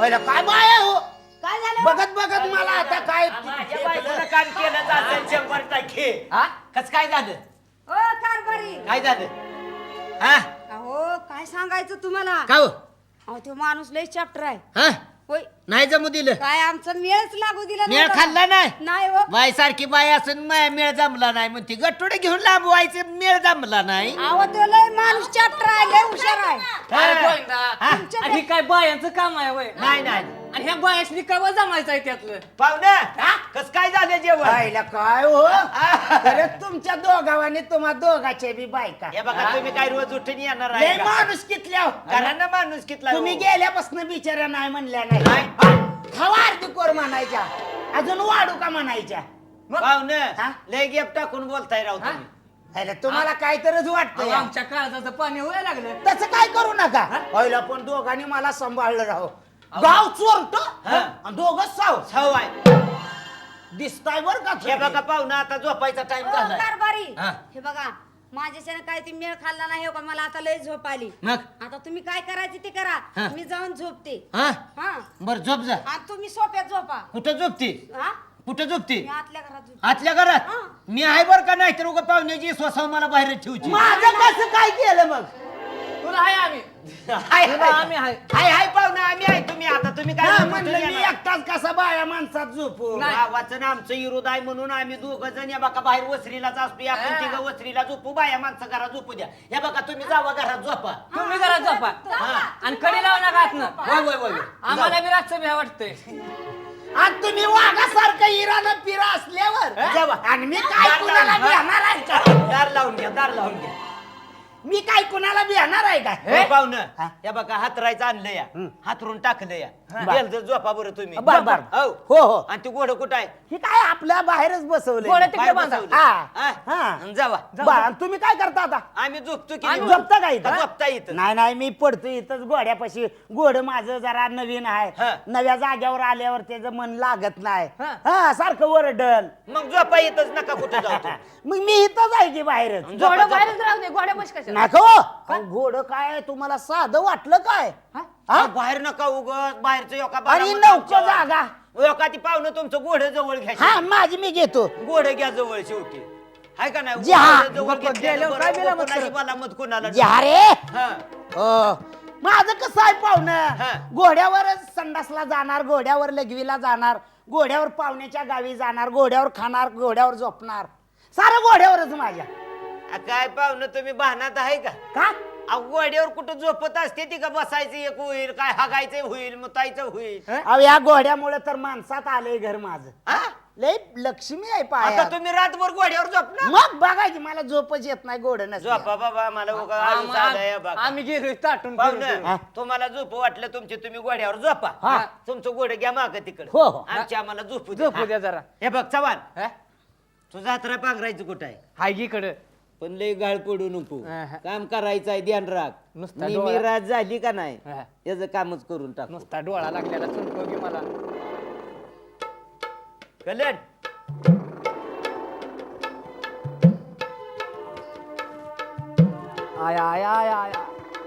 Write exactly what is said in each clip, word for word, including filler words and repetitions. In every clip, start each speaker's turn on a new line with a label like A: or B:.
A: पहिला काय बाया हो
B: काय झालं
A: बघत बघत मला आता काय
C: माझ्या बायकोनं काम केलं असेल शंभर टक्के
D: हा कस काय झालं
B: ओ कारभारी
D: काय झालं हा
B: अहो काय सांगायचं तुम्हाला
D: का हो
B: अहो तो माणूस लय चॅप्टर आहे
D: हा
B: होय
D: नाही जमू दिलं
B: काय आमचा मेळच लागू दिला
D: मेळ
B: नव्हता.
D: खाल्ला नाही
B: नाही हो
D: बाई सारखी बाई असून मा- मेळ जमला नाही म्हणते गट्टोडे घेऊन लांब व्हायचे मेळ जमला नाही
B: अहो तो लय माणूस चॅप्टर आहे लय हुशार आहे
E: काय गोविंदा?
D: हा?
E: आणि हे काय बायांचं काम आहे वय
D: नाही नाही
E: आणि ह्या बायासनी काय जमायचं आहे त्यातलं
C: पाहुणं कस काय झालं जेवण
A: पहिला काय हो अरे तुमच्या दोघावाने तुम्हा दोघाचे बी बायका
C: हे बघा तुम्ही काय रोज उठून येणार
A: लय
C: आहे का?
A: माणूस कितल्या
C: घरानं माणूस कितला
A: तुम्ही
C: हो?
A: गेल्यापासून बिचारा नाही म्हणल्या नाही
C: नाही.
A: खावा अर्धी कोर म्हणायच्या अजून वाढू का म्हणायच्या हा?
C: पाहुणं लय गेप टाकून बोलताय राव तुम्ही
A: अरे तुम्हाला काहीतरीच
E: अहो,
A: वाटतं
E: आमच्या काळजाचं पाणी व्हायला लागलं
A: तसं काय करू नका पहिला पण दोघांनी मला सांभाळलं राहो गाव चोरट आणि दोघं साव
C: सव आहे
A: दिसताय बर का
C: हे बघा पाहुणं आता झोपायचा टाइम
B: ओ
C: झालाय
B: कारभारी
D: हा.
B: हे बघा माझ्याच्यानं काय ती मेळ खाल्ला नाही हो का मला आता लय झोप आली
D: मग
B: आता तुम्ही काय करायचं ते करा
D: हा.
B: मी जाऊन झोपते
D: हा
B: हा
D: बर झोप जा
B: आणि तुम्ही सोप्यात झोपा
D: कुठं झोपती
B: हा
D: कुठं झोपती
B: मी आतल्या घरात झोपते
D: आतल्या घरात
B: हा.
D: मी आहे बर का नाही तर उगा पाहुण्याची स्वसाव मला बाहेर ठेवची
A: माझं कसं काय केलं मग
E: तुला आहे आम्ही
C: हाय
E: तुला
C: हाय
E: आम्ही आहे
C: हाय हाय पाहुणं आम्ही आहे तुम्ही आता तुम्ही काय
A: हा,
C: झोपून
A: म्हणलं मी
C: येणार?
A: एकटाच कसा बाया माणसात झोपू
E: नाही.
C: गावाचं आमचं विरोध आहे म्हणून आम्ही दोघ जण या बघा बाहेर वसरीलाच असतो आपण
E: हा.
C: तिघ वसरीला झोपू बाया माणसं घरात झोपू द्या या बघा तुम्ही जावा घरात झोपा
E: तुम्ही घरात झोपा
B: हा.
E: आणि कडे लावू नका आतनं
C: वय वय वय
E: आम्हाला बी रातचं भ्या वाटतंय
A: आणि तुम्ही वाघासारखं इरानं पिरा असल्यावर
C: जावा.
A: आणि मी काय
C: दार
A: कुणाला
C: लावून-
A: बिहाणार आहे का
C: दार लावून घ्या दार लावून घ्या
A: मी काय कुणाला बिहाणार आहे का
C: हे पाहुणं
A: हा.
C: या बघा हातरायचं आणलं या हातरून टाकलं या
A: बर.
C: गेलं तर झोपा बरं तुम्ही
A: बर, बर.
C: हो
A: हो, हो.
C: आणि ती गोड कुठं आहे
A: हे काय आपल्या बाहेरच बसवलं
E: गोड्या तिकडे
C: बाहेर
E: बांधा.
C: बसवलं.
A: हा.
C: हा?
A: हा.
C: आणि जावा
A: तुम्ही काय करता आता
C: आम्ही झोपतो की
A: आम्ही
C: नाही?
A: झोपता का इथं?
C: झोपता इथं
A: नाही नाही मी पडतो इथंच गोड्यापाशी गोड माझं जरा नवीन
C: हा.
A: आहे नव्या जाग्यावर आल्यावर त्याचं मन लागत नाही
E: हा.
A: हा सारखं वरडल
C: मग झोपा येतच नका कुठं जातो
A: मग मी इथंच आहे की बाहेरच
C: झोपा,
E: गोड्या
C: झोपा.
E: बाहेरच राहू दे गोड्या बस कशा
A: नको अहो, घोड काय तुम्हाला साधं वाटलं काय हा?
C: अहो, बाहेर नका उगत बाहेरचं योका
A: आणि नौका जागा
C: योका ती पाहुणं तुमचं गोड जवळ
A: हा
C: घ्या
A: माझी मी घेतो
C: गोड घ्या जवळ शेवटी हाय का नाही
A: जी, हा.
C: गोड जवळ घेतल्यानं
E: गेल्यावर
C: बरं,
E: काय बिला मत
C: कोणाची
E: करत?
C: बलामत कोणाला
A: जे रे
C: हा.
A: हो. माझं कसं आहे
C: हा.
A: पाहुणं घोड्यावरच संडासला जाणार घोड्यावर लघवीला जाणार घोड्यावर पाहुण्याच्या गावी जाणार घोड्यावर खाणार घोड्यावर झोपणार सारं घोड्यावरच माझ्या
C: आ, काय पाहुणं तुम्ही बहानात आहे का
A: का
C: अहो, गोड्यावर कुठं झोपत असते ती का बसायचं एक होईल काय हागायचं होईल मुतायचं होईल
A: अहो या घोड्यामुळे तर माणसात आलंय घर माझं
C: हा?
A: लय लक्ष्मी आहे
C: आता
A: पाया
C: तुम्ही रातभर गोड्यावर झोपणार
A: मग बघायची मला झोपच येत नाही घोड
C: झोपा बाबा मला उगा आळस आलाय बघा.
E: आम्ही गेलो ताटून फिरून
A: हा.
E: फिरून.
C: तुम्हाला झोप वाटलं तुमचे तुम्ही गोड्यावर झोपा
A: हा.
C: तुमचं गोड घ्या माग तिकडे
A: हो, हो.
C: आमची आम्हाला झोपू द्या.
E: झोपू द्या जरा
C: हे बघ चव्हाण
E: हा?
C: तुझा हातरा पांघरायचं कुठं आहे
E: हाय की इकडं
C: पण लय गाळ पडू नको
E: हा, हा.
C: काम करायचं आहे ध्यान राख
E: नुसता
C: मी
E: डोळा-
C: रात झाली का नाही
E: हा.
C: याचं कामच करून टाक
E: नुसता डोळा लागलेला चुनको की मला
C: कल्याण
E: आया आया आया आया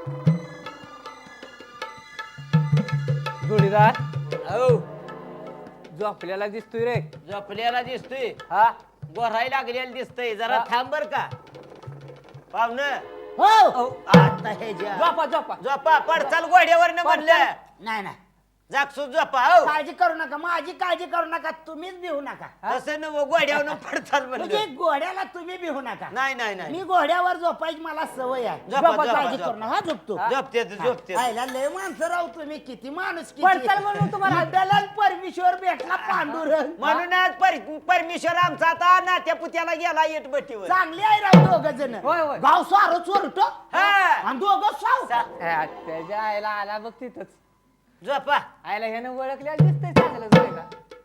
E: जोडीदार
C: हो
E: जो आपल्याला दिसतोय रे
C: झोपल्याला दिसतोय
E: हा
C: गोराई लागलेला दिसतंय जरा
E: हा.
C: थांब बर का पाहुणं
A: हो
C: आता हे ज्या
E: झोपा झोपा
C: झोपा पडचाल गोड्यावर न म्हणलं
A: नाही नाही
C: जागसून झोपा हो
A: काळजी करू नका माझी काळजी करू नका तुम्हीच भिवू नका
C: तसं न गोड्यावर पडचाल
A: म्हणजे
C: म्हणलं
A: घोड्याला तुम्ही भिवू नका
C: नाही नाही नाही
A: मी घोड्यावर झोपायची मला सवय आहे
C: झोपा,
A: झोपा,
C: झोपा,
A: काळजी
C: झोपा.
A: करू नका हा, झोपतो
C: झोपते झोपते
A: आयला लय माणसं राहू तुम्ही किती माणूस
E: पडचाल म्हणून तुम्हाला-
A: परमेश्वर भेटला पांडुरंग
C: म्हणूनच पर- परमेश्वर आमचा आता नात्या पुत्याला गेला येटबट्टीवर
A: चांगली आहे राव दोघ जण
E: होय, होय.
A: गाव सारो चोरट
C: हा.
A: आणि दोघं साव
C: सा-
E: हा, त्याच्या आईला आला बघ तिथंच
C: झोपा
E: आईला ह्यानं ओळखल्या दिसतंय चांगलं जोडीला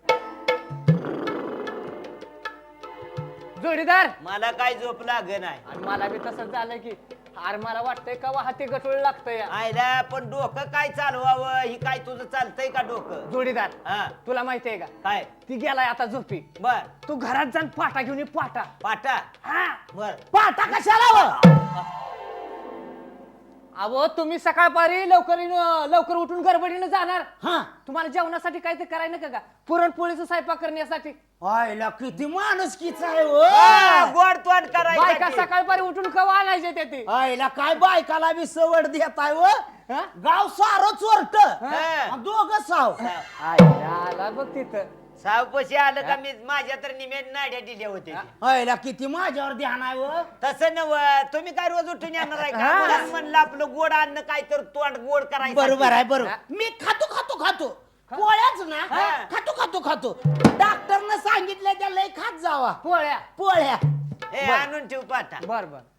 E: जोडीदार
C: मला काय झोप लाग नाही
E: आणि मला बी तसंच झालं की अरे मला वाटतंय का हाती गटोळ लागतंय
C: आयला पण डोकं काय चालवावं ही काय तुझं चालतंय का डोकं
E: जोडीदार
C: हा
E: तुला माहितीये का
C: काय
E: ती गेलाय आता झोपी
C: बर
E: तू घरात जाऊन पाटा घेऊन ये पाटा
C: पाटा
E: हा
C: बर
A: पाटा कशाला व?
E: अहो तुम्ही सकाळपारी लवकर येणं- लवकर उठून गडबडीनं जाणार
A: हा
E: तुम्हाला जेवणासाठी काय ते करायला नका का पुरणपोळीचा स्वयंपाक करण्यासाठी
A: आयला किती माणुसकीच आहे हो
C: हा, गोड तोंड
E: बायका
C: करायचं
E: सकाळपारी उठून कवा आणायचे ते ते
A: आयला काय बायकाला बी सवड देत आहे व
E: हा?
A: गाव सारं चोरट
C: हा.
A: दोघ साव
E: आईला आला बघ तिथं
C: सावपशी आलं का मी माझ्या तर निमेट नाड्या दिल्या होत्या
A: आयला किती माझ्यावर ध्यान आहे व
C: तसं नव तुम्ही काय रोज उठून येणार आहे का म्हणून म्हणलं आपलं गोड अन्न काय तर तोंड गोड करायचं
A: बरोबर आहे बरोबर मी खातो खातो खातो पोळ्याच ना
C: हा.
A: खातो खातो खातो डॉक्टरनं सांगितलं त्या लय खात जावा
E: पोळ्या
A: पोळ्या
C: हे आणून ठेव पाठा
E: बर बर